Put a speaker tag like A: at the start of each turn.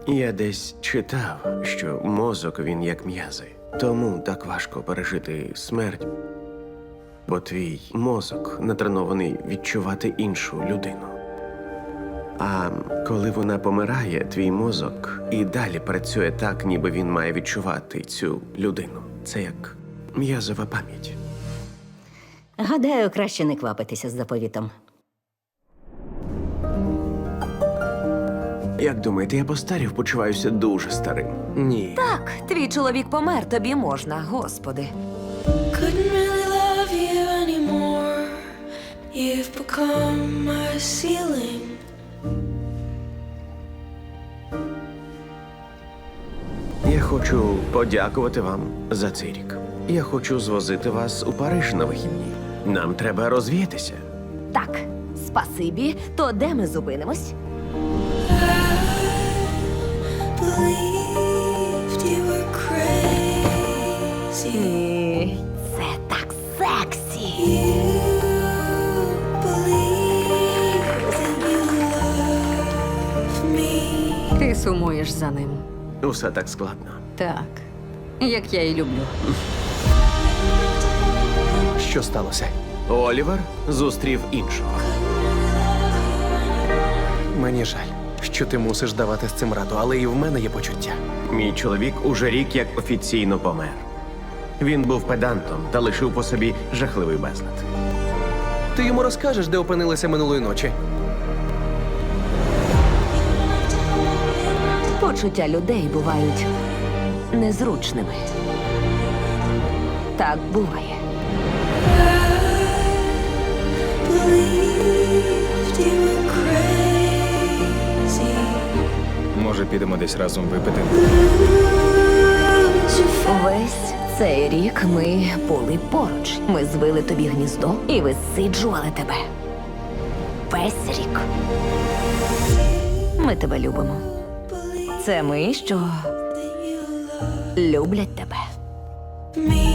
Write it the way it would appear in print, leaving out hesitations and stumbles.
A: Я десь читав, що мозок він як м'язи. Тому так важко пережити смерть, бо твій мозок натренований відчувати іншу людину. А коли вона помирає, твій мозок і далі працює так, ніби він має відчувати цю людину. Це як м'язова пам'ять.
B: Гадаю, краще не квапитися з заповітом.
A: Як думаєте, я постарів, почуваюся дуже старим? Ні.
C: Так, твій чоловік помер, тобі можна, господи.
D: Couldn't really love you anymore. You've become my ceiling.
A: Я хочу подякувати вам за цей рік. Я хочу звозити вас у Париж на вихідні. Нам треба розвіятися.
C: Так, спасибі. То де ми зупинимось?
D: Believed you were crazy.
C: Ні, це так сексі.
D: You believed that you loved me.
E: Ти сумуєш за ним.
A: Усе так складно.
E: Так. Як я і люблю.
A: Що сталося? Олівер зустрів іншого.
F: Мені жаль, що ти мусиш давати з цим раду, але і в мене є почуття.
A: Мій чоловік уже рік як офіційно помер. Він був педантом та лишив по собі жахливий безлад.
F: Ти йому розкажеш, де опинилися минулої ночі?
C: Почуття людей бувають незручними. Так буває.
D: Believed you were crazy.
G: Може, підемо десь разом випити?
D: Lose your faith.
C: Весь цей рік ми були поруч. Ми звили тобі гніздо і висиджували тебе. Весь рік. Ми тебе любимо. Це ми, що люблять тебе.
D: Me.